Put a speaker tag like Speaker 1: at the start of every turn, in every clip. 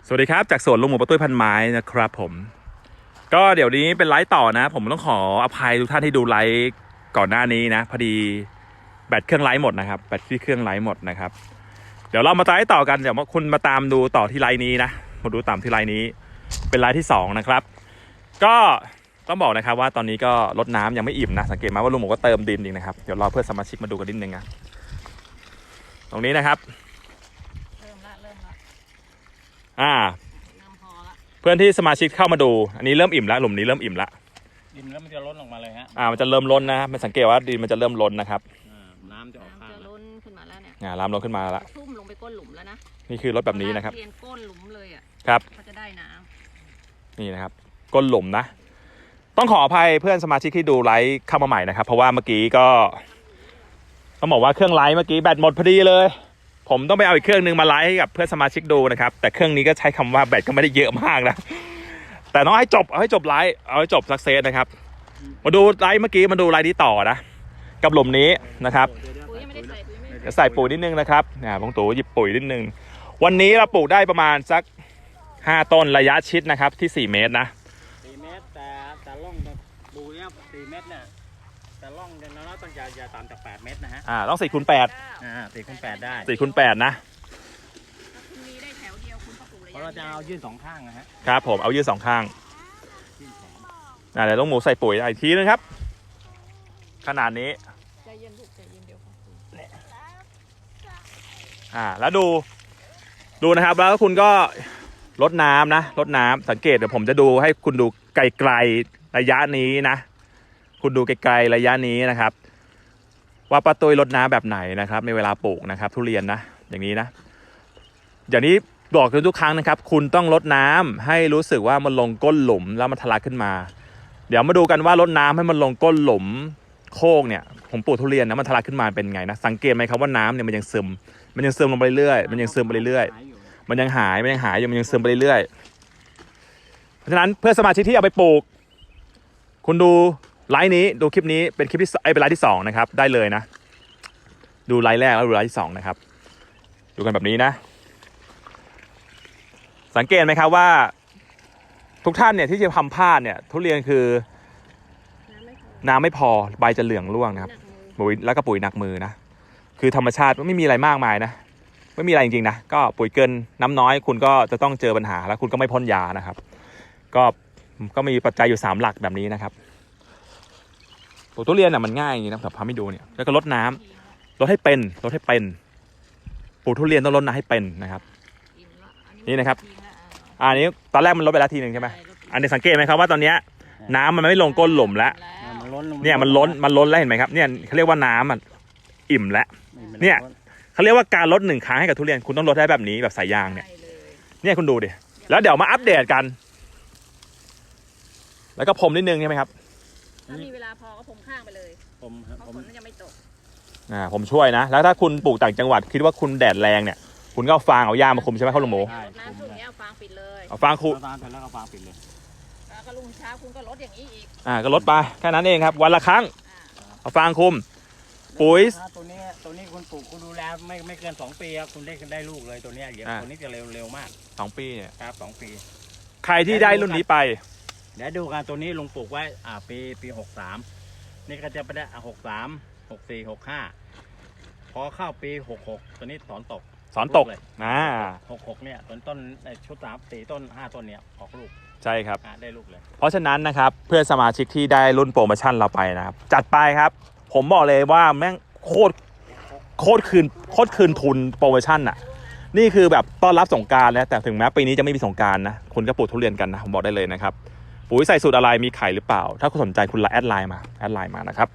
Speaker 1: สวัสดีครับจากสวนลุงหมูป้าตุ้ยพันไม้นะครับผมก็เดี๋ยวนี้เป็นไลฟ์ต่อนะผมต้องขออภัยทุกท่านที่ดูไลฟ์ก่อนหน้านี้นะพอดีแบตเครื่องไลฟ์หมดนะครับแบตที่เครื่องไลฟ์หมดนะครับเดี๋ยวเรามาไลฟ์ต่อกันเดี๋ยวคุณมาตามดูต่อที่ไลฟ์นี้นะมาดูตามที่ไลฟ์นี้เป็นไลฟ์ที่2นะครับก็ต้องบอกนะครับว่าตอนนี้ก็รดน้ำยังไม่อิ่มนะสังเกตไหมว่าลุงหมูก็เติมดินอีกนะครับเดี๋ยวรอเพื่อนสมาชิกมาดูกันนิดนึงนะตรงนี้นะครับ
Speaker 2: เริ่มละน้ำพอละ
Speaker 1: เพื่อนที่สมาชิกเข้ามาดูอันนี้เริ่มอิ่มแล้วหลุมนี้เริ่มอิ่มแล้ว
Speaker 3: ดินแล้วมันจะล้นออกมาเลยฮะ
Speaker 1: มันจะเริ่มล้นนะมันสังเกตว่าดินมันจะเริ่มล้นนะครับ
Speaker 3: น้ำจะออกข้าง
Speaker 2: ล้นขึ้นมาแล้วเนี่ย
Speaker 1: น้ำล้นขึ้นมาแล้ว
Speaker 2: ทุ่มลงไปก้นหลุมแล้วนะ
Speaker 1: นี่คือรถแบบนี้นะครับ
Speaker 2: เรียนก้นหลุมเลยอ่ะ
Speaker 1: ครับ
Speaker 2: ก็จะได้น้
Speaker 1: ำนี่นะครับก้นหลุมนะต้องขออภัยเพื่อนสมาชิกที่ดูไลฟ์เข้ามาใหม่นะครับเพราะว่าเมื่อกี้ก็ต้องบอกว่าเครื่องไลฟ์เมื่อกี้แบตหมดพอดีเลยผมต้องไปเอาอีกเครื่องนึงมาไลฟ์ให้กับเพื่อนสมาชิกดูนะครับแต่เครื่องนี้ก็ใช้คำว่าแบตก็ไม่ได้เยอะมากนะแต่ต้องให้จบเอาให้จบไลฟ์เอาให้จบสักเซสนะครับมาดูไลฟ์เมื่อกี้มาดูไลฟ์นี้ต่อนะกับหลุมนี้นะครับจะใส่ปุ๋ยนิดนึงนะครับบางตู่หยิบปุ๋ยนิดนึงวันนี้เราปลูกได้ประมาณสัก5ต้นระยะชิดนะครับที่4เมตรนะ
Speaker 3: 4 เมตรแต่ล่องปูเนี่ย4 เมตรเนี่ยแต่ล่องอย่างน้อยต้องอย่าต่ำจาก8 เมตรนะฮะ
Speaker 1: ต้อง4 คูณ 8
Speaker 3: 4 คูณ 8ได้
Speaker 1: 4 คูณ 8นะ
Speaker 2: คุณมีได้แถวเดียวคุณก็ปลูกระยะ
Speaker 3: เพราะเราจะเอายื่น2ข้างนะฮะ
Speaker 1: ครับผมเอายื่น2ข้างเดี๋ยวต้องหมูใส่ปุ๋ยอีกทีนึงครับขนาดนี้
Speaker 2: ใจเย็นลูกใจเย็นเดี๋ยว
Speaker 1: แล้วดูนะครับแล้วคุณก็ลดน้ำนะลดน้ำสังเกตเดี๋ยวผมจะดูให้คุณดูไกลๆระยะนี้นะคุณดูไกลๆระยะนี้นะครับว่าป้าตุ้ยลดน้ำแบบไหนนะครับในเวลาปลูกนะครับทุเรียนนะอย่างนี้นะอย่างนี้บอกทุกครั้งนะครับคุณต้องลดน้ำให้รู้สึกว่ามันลงก้นหลุมแล้วมันทะลักขึ้นมาเดี๋ยวมาดูกันว่าลดน้ำให้มันลงก้นหลุมโคกเนี่ยผมปลูกทุเรียนนะมันทะลักขึ้นมาเป็นไงนะสังเกตไหมครับว่าน้ำเนี่ยมันยังซึมลงไปเรื่อยมันยังซึมไปเรื่อยมันยังหายอยู่มันยังซึมไปเรื่อยเพราะฉะนั้นเพื่อสมาชิกที่เอาไปปลูกคุณดูไลฟ์นี้ดูคลิปนี้เป็นคลิปที่เป็นไลฟ์ที่2นะครับได้เลยนะดูไลฟ์แรกแล้วดูไลฟ์ที่2นะครับดูกันแบบนี้นะสังเกตไหมครับว่าทุกท่านเนี่ยที่จะทำพลาดเนี่ยทุเรียนคือน้ำไม่พอใบจะเหลืองร่วงนะครับปุ๋ยแล้วก็ปุ๋ยหนักมือนะคือธรรมชาติไม่มีอะไรมากมายนะไม่มีอะไรจริงๆนะก็ปุ๋ยเกินน้ำน้อยคุณก็จะต้องเจอปัญหาแล้วคุณก็ไม่พ่นยานะครับก็มีปัจจัยอยู่3หลักแบบนี้นะครับปลูกทุเรียนน่ะมันง่ายอย่างนี้นะผมพาให้ดูเนี่ยแล้วก็ลดน้ำลดให้เป็นปลูกทุเรียนต้องลดน้ำให้เป็นนะครับนี่นะครับอันนี้ตอนแรกมันลดไปแล้วทีนึงใช่ไหมอันนี้สังเกตไหมครับว่าตอนนี้น้ำมันไม่ลงก้นหลุมแล้วเนี่ยมันล้นแล้วเห็นไหมครับเนี่ยเขาเรียกว่าน้ำมันอิ่มแล้วเนี่ยเขาเรียกว่าการลด1ครั้งให้กับทุเรียนคุณต้องลดได้แบบนี้แบบสายยางเนี่ยคุณดูดิแล้วเดี๋ยวมาอัปเดตกันแล้วก็พรมนิดนึงใช่ไหมครับ
Speaker 2: ถ้ามีเวลาพอก็พรมข้างไปเลยเพราะฝนมันยังไม่ตก
Speaker 1: ผมช่วยนะแล้วถ้าคุณปลูกต่างจังหวัดคิดว่าคุณแดดแรงเนี่ยคุณก็เอาฟางเอาหญ้ามาคุมใช่ไหมข้าวลุงหมู
Speaker 2: น้ำช่วงนี้เอาฟางปิดเลย
Speaker 1: เอาฟางคุม
Speaker 3: แล้วเอาฟางปิดเลย
Speaker 2: แล้วก็รุ่งเช้าคุณก็ลดอย่างนี้อีก
Speaker 1: ก็ลดไปแค่นั้นเองครับวันละครั้งเอาฟางคุมปุ๋ย
Speaker 3: ตัวนี้คุณปลูกคุณดูแลไม่เกิน2 ปีครับคุณได้ลูกเลยตัวนี้เดี๋ยวตัวนี้จะเร็วมาก
Speaker 1: 2 ปีเนี่ย
Speaker 3: ครับ2 ปี
Speaker 1: ใครที่ได้รุ่นนี้ไป
Speaker 3: เดี๋ยวดูกันตัวนี้ลุงปลูกไว้ปี63นี่ก็จะไปได้63 64 65พอเข้าปี66ตัวนี้สอนตก
Speaker 1: เลย
Speaker 3: 66เนี่ยต้นชุด3 4 ต้น 5 ต้นเนี่ยออกลูก
Speaker 1: ใช่ครับ
Speaker 3: ได้ลูกเลย
Speaker 1: เพราะฉะนั้นนะครับเพื่อนสมาชิกที่ได้รุ่นโปรโมชั่นเราไปนะครับจัดไปครับผมบอกเลยว่าแม่งโคตรคืนทุนโปรโมชั่นอ่ะนี่คือแบบต้อนรับสงกรานต์นะแต่ถึงแม้ปีนี้จะไม่มีสงกรานต์นะคุณก็ปลูกทุเรียนกันนะผมบอกได้เลยนะครับปุ๋ยใส่สูตรอะไรมีไข่หรือเปล่าถ้าคุณสนใจคุณแอดไลน์มานะครับ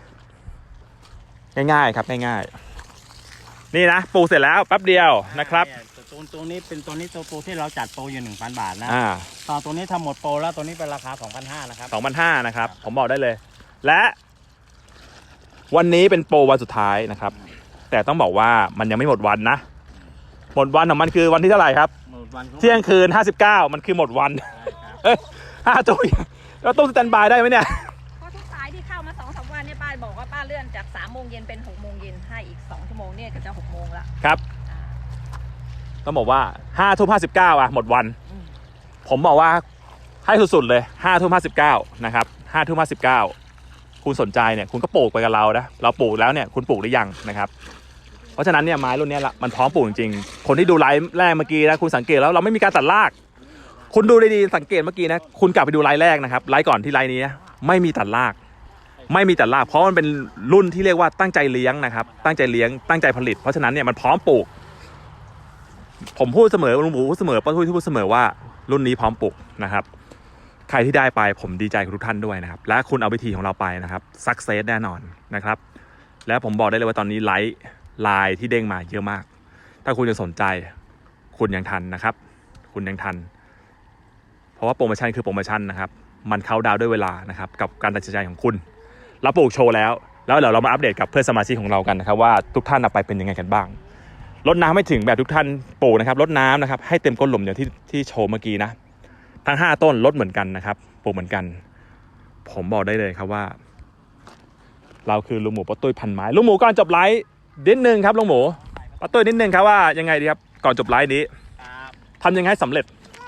Speaker 1: ง่ายๆครับง่ายๆนี่นะปลูกเสร็จแล้วแป๊บเดียวนะครับ
Speaker 3: ตัวนี้เป็นตัวที่เราจัดโปรอยู่ 1,000 บาทนะตอนตัวนี้ทำหมดโปรแล้วตัวนี้เป็นราคา 2,500 นะครับ
Speaker 1: 2,500 นะครับผมบอกได้เลยและวันนี้เป็นโปรวันสุดท้ายนะครับแต่ต้องบอกว่ามันยังไม่หมดวันนะหมดวันของมันคือวันที่เท่าไหร่ครับเที่ยงคืน59มันคือหมดวัน5 ตู้แล้วตู้สแตนบายได้ไหมเนี่ย
Speaker 2: เพราะทุกสายที่เข้ามา 2-3 วันเนี่ยป้าบอกว่าป้าเลื่อนจาก3 โมงเย็นเป็น6 โมงเย็นให้อีก2 ชั่วโมงเนี่ยก็จะ6 โมงละ
Speaker 1: ครับต้องบอกว่า5 ทุ่ม 59อ่ะหมดวันผมบอกว่าให้สุดๆเลย5 ทุ่ม 59นะครับ5 ทุ่ม 59คุณสนใจเนี่ยคุณก็ปลูกไปกับเรานะเราปลูกแล้วเนี่ยคุณปลูกหรือยังนะครับเพราะฉะนั้นเนี่ยไม้รุ่นนี้ละมันพร้อมปลูกจริงๆคนที่ดูไลฟ์แรกเมื่อกี้นะคุณสังเกตแล้วเราไม่มีการตัดรากคุณดูดีๆสังเกตเมื่อกี้นะคุณกลับไปดูไลฟ์แรกนะครับไลฟ์ก่อนที่ไลฟ์นี้นะไม่มีตัดรากไม่มีตัดรากเพราะมันเป็นรุ่นที่เรียกว่าตั้งใจเลี้ยงนะครับตั้งใจเลี้ยงตั้งใจผลิตเพราะฉะนั้นเนี่ยมันพร้อมปลูกผมพูดเสมอลุงหมูพูดเสมอป้าทุยที่พูดเสมอว่ารุ่นนี้พร้อมปลูกนะครับใครที่ได้ไปผมดีใจกับทุกท่านด้วยนะครับและคุณเอาวิธีของเราไปนะครับซักเซสแน่นอนนะครับและผมบอกได้เลยว่าตอนนี้ไลน์ที่เด้งมาเยอะมากถ้าคุณยังสนใจคุณยังทันนะครับคุณยังทันเพราะว่าโปรโมชั่นคือโปรโมชั่นนะครับมันเข้าดาวด้วยเวลานะครับกับการตัดสินใจของคุณเราปลูกโชว์แล้วเดี๋ยวเรามาอัปเดตกับเพื่อนสมาชิกของเรากันนะครับว่าทุกท่านเอาไปเป็นยังไงกันบ้างรดน้ำไม่ถึงแบบทุกท่านปลูกนะครับรดน้ำนะครับให้เต็มก้นหลุมอย่างที่โชว์เมื่อกี้นะทั้ง5ต้นรดเหมือนกันนะครับปลูกเหมือนกันผมบอกได้เลยครับว่าเราคือลุงหมูป้าตุ้ยพันไม้ลุงหมูก่อนจบไลฟ์นิดนึงครับลุงหมูป้าตุ้ยนิดนึงครับว่ายังไงดีครับก่อนจบไลฟ์นี้ทำยังไงให้สำเร็จ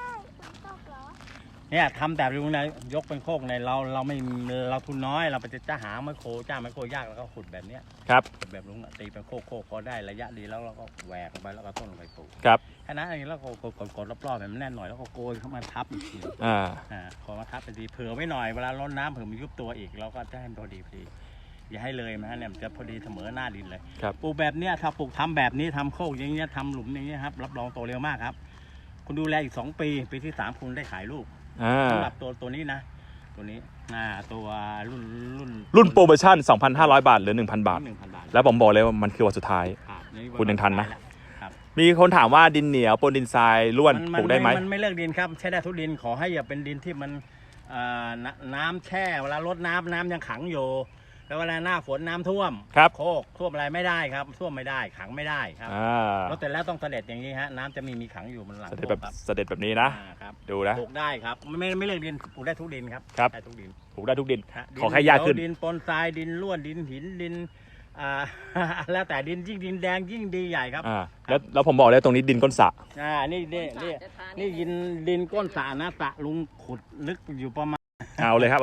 Speaker 3: เนี่ยทำแต่ลุงนะยกเป็นโคกในเราไม่เราทุนน้อยเราไปจะหาไมโครจ้างไมโครยากแล้วก็ขุดแบบเนี้ย
Speaker 1: ครับ
Speaker 3: แบบลุงตีเป็นโคกพอได้ระยะดีแล้วเราก็แหวกลงไปแล้วก็ต้นลงไปปลูก
Speaker 1: ครับ
Speaker 3: แค่นั้นเองแล้วก็กดรอบๆแบบแน่นหน่อยแล้วก็โกยเข้ามาทับอีกทีพอมาทับไปทีเผื่อไว้หน่อยเวลาร้อนน้ำเผื่อมันยุบตัวอีกเราก็จะให้มันพอดีอย่าให้เลยนะเนี่ยมันจะพอดีเสมอหน้าดินเลยปลูกแบบเนี้ยถ้าปลูกทำแบบนี้ทำโคกอย่างเงี้ยทำหลุมอย่างเงี้ยครับรับรองโตเร็วมากครับคุณดูแลอีก2 ปีที่3คุณได้ขายลูกสำหรับตัวนี้นะตัวนี้ตัวรุ่น
Speaker 1: โปรโมชั่น 2,500 บาทหรือ 1,000 บาทแล้วผมบอกเลยว่ามันคือวันสุดท้ายคุณยังทันนะมีคนถามว่าดินเหนียวปนดินทรายร่วนปลูกได้ไหม
Speaker 3: มันไม่เลือกดินครับใช้ได้ทุกดินขอให้อย่าเป็นดินที่มันน้ำแช่เวลารดน้ำยังขังอยู่แล้วเวลาหน้าฝนน้ำท่วมโคกท่วมอะไรไม่ได้ครับท่วมไม่ได้ขังไม่ได้ครับแล้วแต่แล้วต้องเสด็จอย่างนี้ฮะน้ำจะมีขังอยู่มันหลัง
Speaker 1: เสด็จแบบนี้นะครับดูนะ
Speaker 3: ปลูกได้ครับไม่เลือกดินปลูกได้ทุกดินครับได้ทุกดิน
Speaker 1: ปลูกได้ทุกดินขอแค่ยากขึ้น
Speaker 3: ดินปนทรายดินล้วนดินหินดินแล้วแต่ดินยิ่งดินแดงยิ่งดีใหญ่ครับ
Speaker 1: แล้วผมบอกเลยตรงนี้ดินก้นสระ
Speaker 3: นี่ดินก้นสระนะสระลุงขุดลึกอยู่ประมาณ
Speaker 1: เอาเลยครับ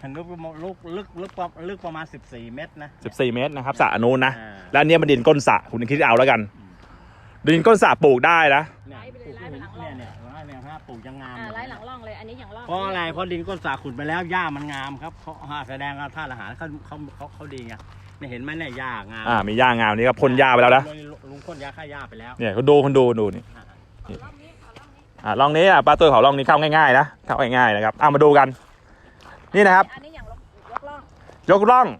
Speaker 3: ลึกประมาณ14 เมตรนะ
Speaker 1: 14 เมตรนะครับสระนู้นนะแล้วอันนี้มันดินก้นสระคุณคิดเอาแล้วกันดินก้นสระปลูกได้นะ
Speaker 3: เนี่ยปลูกยังงาม
Speaker 2: ไล่หลังร่องเลยอันนี้อย่างร่อง
Speaker 3: เพราะอะไรเพราะดินก้นสระขุดไปแล้วหญ้ามันงามครับเขาแสดงว่าธาตุอาหารเขาดีไงเนี่ยเห็นไหมเนี่ยหญ้างาม
Speaker 1: มีหญ้างามนี่ก็พ่นหญ้าไปแล้วนะ
Speaker 3: ลุงพ่นยาฆ่าหญ้าไปแล้ว
Speaker 1: เนี่ยเขาดูนี่ร่องนี้ป้าตุ้ยเขาร่องนี้เข้าง่ายๆนะเข้าง่ายๆนะครับมาดูกันนี่นะครับ
Speaker 2: อันนี้อย่าง
Speaker 1: ยกร่อง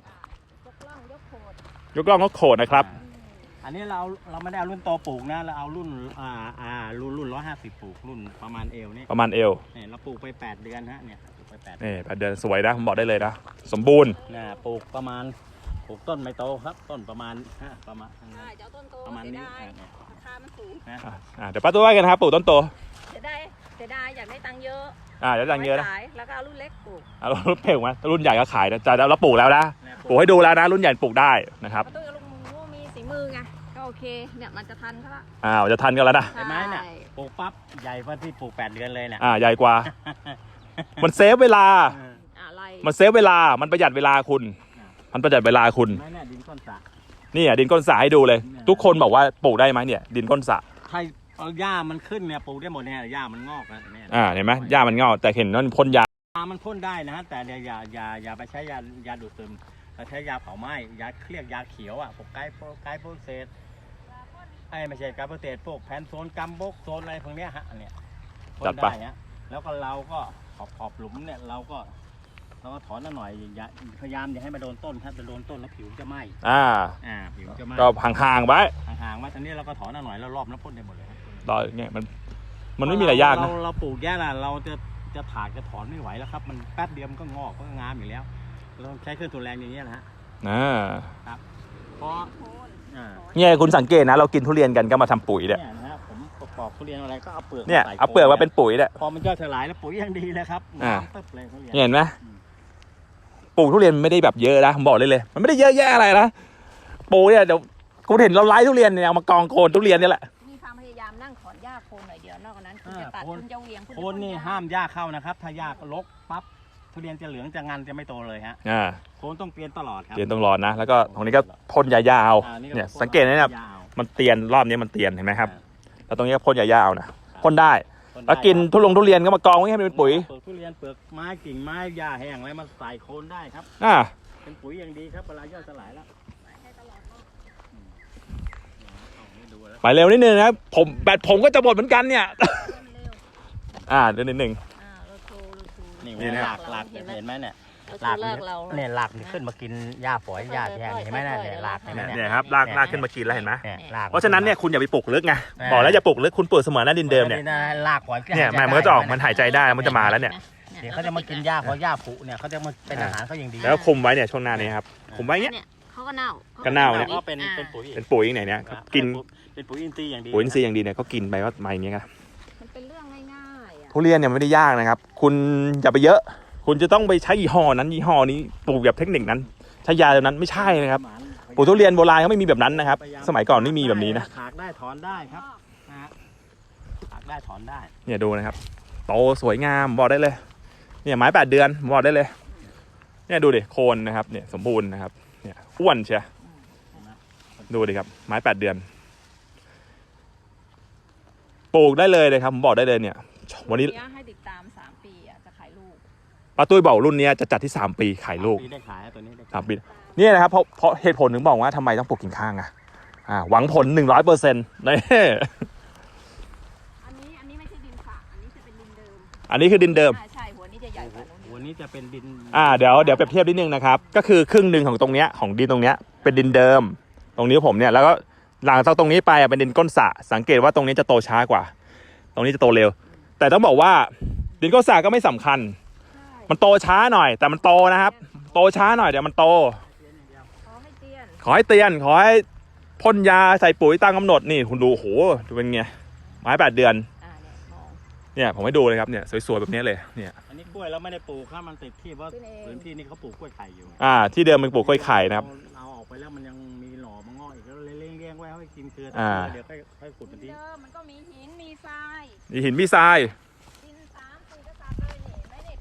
Speaker 1: ก็โขดนะครับ
Speaker 3: อันนี้เราไม่ได้เอารุ่นโตปลูกนะเราเอารุ่น150ปลูกรุ่นประมาณเอวนี่
Speaker 1: ประมาณเอว
Speaker 3: เนี่ยเราปลูกไป8 เดือนฮะเนี่ยปลูกไป8
Speaker 1: เดือนสวยนะผมบอกได้เลยนะสมบูรณ์
Speaker 3: ปลูกประมาณปลูกต้นไม่โตครับต้นประมาณประมาณนี้
Speaker 2: ราคามันสูง
Speaker 1: เดี๋ยวป้าตุ้ยว่ากันครับปลูกต้นโต
Speaker 2: เสียดายอยากได้ตังค์เยอะ
Speaker 1: เดี๋ยวตังค์เยอะนะ
Speaker 2: แล้วก็เอารุ่นเล็กปลูก
Speaker 1: รุ่นเพ่งไหมรุ่นใหญ่ก็ขายนะแต่เราปลูกแล้วนะปลูกให้ดูแล้วนะรุ่นใหญ่ปลูกได้นะครับ
Speaker 2: ป้าตุ้ยกับลุงมีสีมือไงก็โอเคเนี่ยมันจะทันเขาละ
Speaker 1: จะทันกันแล้วนะ
Speaker 3: เห็นไหมเนี่ยปลูกปั๊บใหญ่กว่าที่ปลูก8 เดือนเลยเนี่ย
Speaker 1: ใหญ่กว่ามันเซฟเวลามันเซฟเวลามันประหยัดเวลาคุณมันประหยัดเวลาคุณ
Speaker 3: เนี่ยดินก้นสระ
Speaker 1: นี่ดินก้นสระให้ดูเลยทุกคนบอกว่าปลูกได้ไหมเนี่ยดินก้นสระ
Speaker 3: ใช่หญ้ามันขึ้นเนี่ยปลูกได้หมดเนี่ยหญ้ามันงอกนะเนี่ย
Speaker 1: เห็นไหมหญ้ามันงอกแต่เห็นนั่นพ่นยา
Speaker 3: มันพ่นได้นะแต่อย่าไปใช้ยาดูดซึมเราใช้ยาเผาไหม้ยาเรียกยาเขียวพวกไกโพเซตไม่ใช่ไกโพเซตพวกแพนโซนกัมบกโซนอะไรพวกเนี้ยฮะเนี่ยพ่นได้ฮะแล้วก็เราก็ขอบหลุมเนี่ยเราก็ถอนหน่อยพยายามอย่าให้มาโดนต้นถ้าจะโดนต้นแล้วผิวจะไหม้ผิวจะไหม้
Speaker 1: ก็ห่างๆไว้
Speaker 3: ตอนนี้เราก็ถอนหน่อยแล้วรอบแล้วพ่นได้หมดเลย
Speaker 1: เนี่ยมันไม่มีอะไรยากนะ
Speaker 3: เราปลูกแย่ละเราจะถากจะถอนไม่ไหวแล้วครับมันแป๊บเดียวมันก็งอกก็งามอยู่แล้วเราใช้เครื่องตัวแรงอย่างเงี้ยนะฮะครับเพราะ
Speaker 1: เนี่ยคุณสังเกตนะเรากินทุเรียนกันก็มาทำปุ๋ยเนี่ย
Speaker 3: นะผมปอกทุเรียนอะไรก็เอาเปลือก
Speaker 1: เนี่ยเอาเปลือกมาเป็นปุ๋ยเนี่ย
Speaker 3: พอมันย่อยสลายแล้วปุ๋ยยังดีเลยครับตึ๊บเลยทุเรียน
Speaker 1: เห็นไหมปลูกทุเรียนไม่ได้แบบเยอะนะผมบอกเลยมันไม่ได้เยอะแยะอะไรนะปลูกเนี่ยเดี๋ยวคุณเห็นเราไล่ทุเรียนเนี่ยเอามากองโคนทุเรียนนี่แหละ
Speaker 2: มีความพยายามนั่งถอนหญ้าอกนั้นคุณจะตัดคุณจะเหวี่ยง
Speaker 3: โคนนี่ห้ามหญ้าเข้านะครับ ถ้าหญ้ารกปั๊บทุเรียนจะเหลืองจะงันจะไม่โตเลยฮะโคนต้องเปลี่ยนตลอดครับ
Speaker 1: เตียนต้องรอนะแล้วก็ตรงนี้ก็พ่นยาเอาเนี่ยสังเกตนะครับมันเตียนรอบนี้มันเตียนเห็นไหมครับแล้วตรงนี้ก็พ่นยาเอานะพ่นได้แล้วกินทุเรียนก็มากองไว้ให้มันเป็นปุ๋ย
Speaker 3: เปลือกทุเรียนเปลือกไม้กิ่งไม้หญ้าแห้งอะไรมาใส่โคนได้ครับเป็นปุ๋ยอย่างดีครับเวลาย่อยสลายแล้ว
Speaker 1: ไปเร็วนิดนึงนะครับแบตผมก็จะหมดเหมือนกันเนี่ยเดี๋ยวนิดนึง
Speaker 3: นี่หลักเห็นไหมเนี่ยหลักเนี่ยหลักขึ้นมากินหญ้าฝอยหญ้าแทนเห็นไหมเนี่ยหลัก
Speaker 1: เนี่ยครับลากขึ้นมากินแล้วเห็นไหมเพราะฉะนั้นเนี่ยคุณอย่าไปปลูกลึกไงบอกแล้วอย่าปลูกลึกคุณปลูกเสมอหน้าดินเดิมเนี่ย
Speaker 3: หลักฝอย
Speaker 1: เนี่ยมันก็จะออกมันหายใจได้มันจะมาแล้วเนี่ย
Speaker 3: เดี๋ยวเขาจะมากินหญ้าเพราะหญ้าผุเนี่ยเขาจะมาเป็นอาหารเขาอย่างดี
Speaker 1: แล้วคุมไว้เนี่ยช่วงหน้านี้ครับคุมไว้เนี่ย
Speaker 2: เขาก็เน่า
Speaker 1: เนี่ย
Speaker 3: ก็เป็น
Speaker 1: ปุ๋ยไหนเนี่ยกิน
Speaker 3: เป็นปุ๋ยอินทรีย์อย่างดี
Speaker 1: ปุ๋ยอินทรีย์อย่างดีเนี่ยเขากินไปว่ามาอย่างเงี้ยครับ
Speaker 2: มันเป็นเรื่องง่ายๆ
Speaker 1: ทุเรียนเนี่ยไม่ได้ยากนะครับคุณอย่าไปเยอะคุณจะต้องไปใช้ยี่ห้อนั้นยี่ห้อนี้ปลูกแบบเทคนิคนั้นใช้ยาแบบนั้นไม่ใช่นะครับปลูกทุเรียนโบราณเขาไม่มีแบบนั้นนะครับสมัยก่อนไม่มีแบบนี้นะ
Speaker 3: ถากได้ถอนได้ครับถากได้ถอนได้
Speaker 1: เนี่ยดูนะครับโตสวยงามบอกได้เลยเนี่ยไม้8 เดือนบอกได้เลยเนี่ยดูดิโคนนะครับเนี่ยสมบูรณ์นะครับเนี่ยอ้วนเชียดูดิครับไม้8 เดือนปลูกได้เลยครับผมบอกได้เลยเนี่ยวันนี้
Speaker 2: ให้ติดตาม3 ปีจะขายลูก
Speaker 1: ป้าตุ้ยบอกรุ่นนี้จะจัดที่3 ปีขายลูก
Speaker 3: ได้ขายตัวนี้
Speaker 1: 3 ปีนี่นะครับเพราะเหตุผลถึงบอกว่าทำไมต้องปลูกกิ่งข้างหวังผล 100%นี่
Speaker 2: อันนี้ไม่ใช่ดินฝากอันนี้จะเป็นดินเดิม
Speaker 1: อันนี้คือดินเดิม
Speaker 2: ใช่หัวนี้จะใหญ่กว่า
Speaker 3: หัวนี้จะเป็นดิน
Speaker 1: เดี๋ยวเปรียบเทียบนิดนึงนะครับก็คือครึ่งหนึ่งของตรงเนี้ยของดินตรงเนี้ยเป็นดินเดิมตรงนี้ผมเนี่ยแล้วก็หลังจากตรงนี้ไปเป็นดินก้นสระสังเกตว่าตรงนี้จะโตช้ากว่าตรงนี้จะโตเร็วแต่ต้องบอกว่าดินก้นสระก็ไม่สำคัญมันโตช้าหน่อยแต่มันโตนะครับโตช้าหน่อยเดี๋ยวมันโตขอให้เตียนขอให้พ่นยาใส่ปุ๋ยตามกำหนดนี่คุณดูโหดูเป็นไงไม้8 เดือนเนี่ยผมให้ดูเลยครับเนี่ยสวยๆแบบนี้เลยเนี่ย
Speaker 3: อันนี้กล้วยแล้วไม่ได้ปลูกครับมันติดที่เพราะพื้นที่นี้เขาปลูกกล้วยไข่อยู่
Speaker 1: ที่เดิมมันปลูกกล้วยไข่นะครับ
Speaker 3: เอาออกไปแล้วมันยังมีหน่อมางอกอีกแล้วเลี้ยงไว้ให้กินเกลือเดี๋ยวค่อยขุดมันทิ้ง
Speaker 2: มันก็มีหินมีทราย
Speaker 1: ดิน3 4กษัตริย์เลยนี่ไม่ได้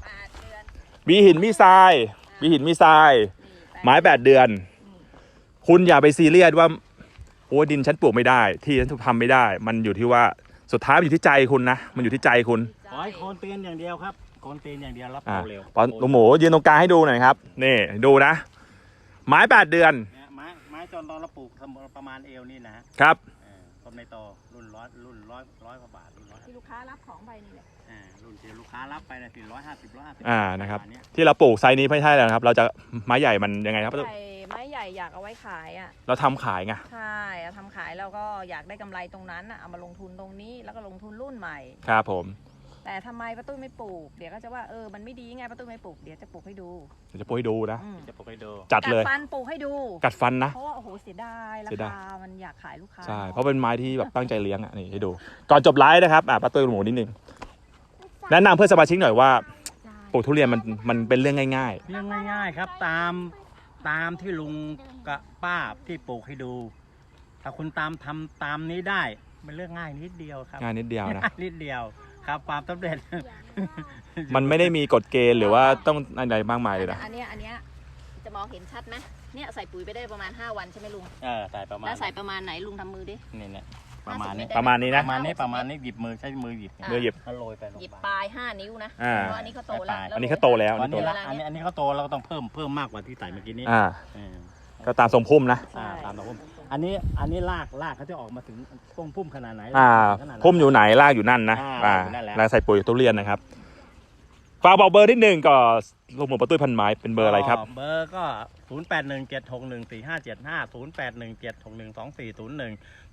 Speaker 1: 8 เดือนมีหินมีทรายไม้8 เดือนคุณอย่าไปซีเรียสว่าโอ้ดินฉันปลูกไม่ได้ที่ฉันทำไม่ได้มันอยู่ที่ว่าสุดท้ายมันอยู่ที่ใจคุณนะมันอยู่ที่ใจคุณ
Speaker 3: ขอให้โคนเตียนอย่างเดียวครับโคนเตียนอย่างเดียวรับโตเร็ว
Speaker 1: ลุงหมูยืนตรงกลางให้ดูหน่อยครับนี่ดูนะไม้8 เดือน
Speaker 3: ไม้จนตอนเราปลูกประมาณเอวนี่
Speaker 1: นะครับ
Speaker 3: ต้นในโตรุ่นร้อยกว่าบาท
Speaker 2: ที่ลูกค้ารับของไปนี่แหละ
Speaker 3: รุ่นที่ลูกค้ารับไปนะ150
Speaker 1: นะครับที่เราปลูกไซส์นี้ไม่ใช่แล้วครับเราจะไม้ใหญ่มันยังไงครับ
Speaker 2: ไม้ใหญ่อยากเอาไว้ขาย
Speaker 1: เราทำขายไง
Speaker 2: ใช่ทำขายแล้วก็อยากได้กำไรตรงนั้นเอามาลงทุนตรงนี้แล้วก็ลงทุนรุ่นใหม่
Speaker 1: ครับผม
Speaker 2: แต่ทำไมป้าตุ้ยไม่ปลูกเดี๋ยวก็จะว่ามันไม่ดีไงป้าตุ้ยไม่ปลูกเดี๋ยวจะปลูกให้ดู
Speaker 1: จะปลูกให้ดูนะ
Speaker 3: จะปลูกให้ดู
Speaker 1: จัดเลย
Speaker 2: กัดฟันปลูกให้ดู
Speaker 1: กัดฟันนะ
Speaker 2: เพราะว่าโอ้โหเสียดายราคามันอยากขายลูกค้า
Speaker 1: ใช่เพราะเป็นไม้ที่แบบตั้งใจเลี้ยงนี่ให้ดูก่อนจบไลฟ์นะครับป้าตุ้ยลุงหมูนิดนึงแนะนำเพื่อนสมาชิกหน่อยว่าปลูกทุเรียนมันเป็นเรื่องง่าย
Speaker 3: ๆครับตามที่ลุงกับป้าที่ปลูกให้ดูถ้าคุณทำตามนี้ได้เป็นเรื่องง่ายนิดเดียวครับ
Speaker 1: ง่ายนิดเดียวนะ
Speaker 3: นิดเดียวครับความสำเร็จ
Speaker 1: มันไม่ได้มีกฎเกณฑ์หรือว่าต้องอะไรมากมายเลยนะ
Speaker 2: อันนี้จะมองเห็นชัดไหมเนี่ยใส่ปุ๋ยไปได้ประมาณ5 วันใช่ไหมลุง
Speaker 3: ใส่ประมาณ
Speaker 2: แล้วใส่ประมาณไหนลุงทำมือดิ
Speaker 3: นี่ประมาณนี้
Speaker 1: นะประมาณนี้
Speaker 3: หยิบมือใช้มือหยิบโรยไป
Speaker 2: หยิบปลาย5 นิ้วนะเพราะอันนี้เขาโตแล้ว
Speaker 1: อันนี้เขาโตแล้ว
Speaker 3: อันนี้เขาโตเราก็ต้องเพิ่มมากกว่าที่ใส่เมื่อกี้นี้
Speaker 1: ก็ตามทรงพุ่มนะ
Speaker 3: ตามทรงพุ่มอันนี้รากเขาจะออกมาถึงต้นพุ่มขนาดไหน
Speaker 1: พุ่มอยู่ไหนรากอยู่นั่นนะแล้วใส่ปุ๋ยทุเรียนนะครับฝากบอกเบอร์นิดนึงก็ลุงหมูป้าตุ้ยพันไม้เป็นเบอร์อะไรครับ
Speaker 3: เบอร์ก็0817614575 0817612401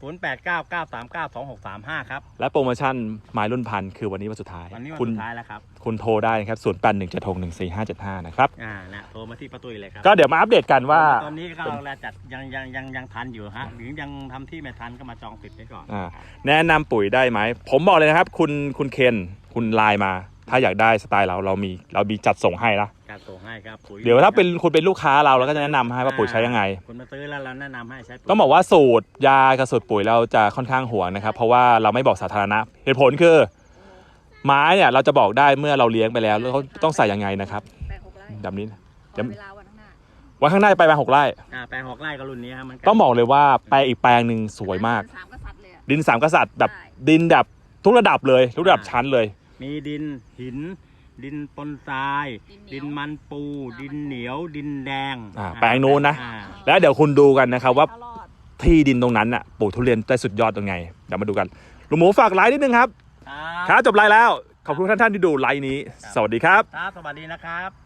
Speaker 3: 0899392635ครับ
Speaker 1: และโปรโมชั่นไม้รุ่นพันคือวันนี้วันสุดท้าย
Speaker 3: คุณสุดท้ายแล้วครับ
Speaker 1: คุณโทรได้นะครับ0817614575นะครับ
Speaker 3: โทรมาที่ป้าตุ้ยเลยครับ
Speaker 1: ก็เดี๋ยวมาอัปเดตกันว่า
Speaker 3: ตอนนี้ก็เราจัดยังทันอยู่ฮะหรือยังทำที่ไม่ทันก็มาจองติดไว้ก่อน
Speaker 1: แนะนำปุ๋ยได้ไหมผมบอกเลยนะครับคุณเคนคุณไลน์มาถ้าอยากได้สไตล์เรามีจัดส่งให้นะ
Speaker 3: การส่งให้ครับปุ๋ย
Speaker 1: เดี๋ยวถ้าเป็นคุณเป็นลูกค้าเราก็จะแนะนำให้ว่าปุ๋ยใช้ยังไง
Speaker 3: คุณมาซื้อแล้วเราแนะนำให้ใช้ปุ๋ย
Speaker 1: ต้องบอกว่าสูตรยากับสูตรปุ๋ยเราจะค่อนข้างห่วงนะครับเพราะว่าเราไม่บอกสาธารณะเหตุผลคือไม้เนี่ยเราจะบอกได้เมื่อเราเลี้ยงไปแล้วเขาต้องใส่ยังไงนะครับ
Speaker 2: แปลง6 ไร่
Speaker 1: แบบนี้
Speaker 2: ขอเวลาวันข้างหน้า
Speaker 1: วันข้างหน้าไป6 ไร่
Speaker 3: แปลง6 ไร่ก็รุ่นนี้ครับมัน
Speaker 1: ต้องบอกเลยว่าแปลงอีกแปลงหนึ่งสวยมาก
Speaker 2: 3 กษัตริย์เลยอะ
Speaker 1: ดิน3 กษัตริย์แบบ
Speaker 2: ใช่
Speaker 1: ดินแบบทุกระดับเลยทุกระดับชั้นเลย
Speaker 3: มีดินหิน ดินปนทราย ดินมันปู ดินเหนียว ดินแดง
Speaker 1: แปลงนู้นนะ
Speaker 3: อ่า
Speaker 1: แล้วเดี๋ยวคุณดูกันนะครับว่า
Speaker 2: ตลอด
Speaker 1: ที่ดินตรงนั้นน่ะปลูกทุเรียนได้สุดยอดยังไงเดี๋ยวมาดูกันลุงหมูฝากไลน์นิดนึงครับครับจบไลน์แล้วขอบคุณท่านที่ดูไลน์นี้ สวัสดีครับ
Speaker 3: ครับสวัสดีนะครับ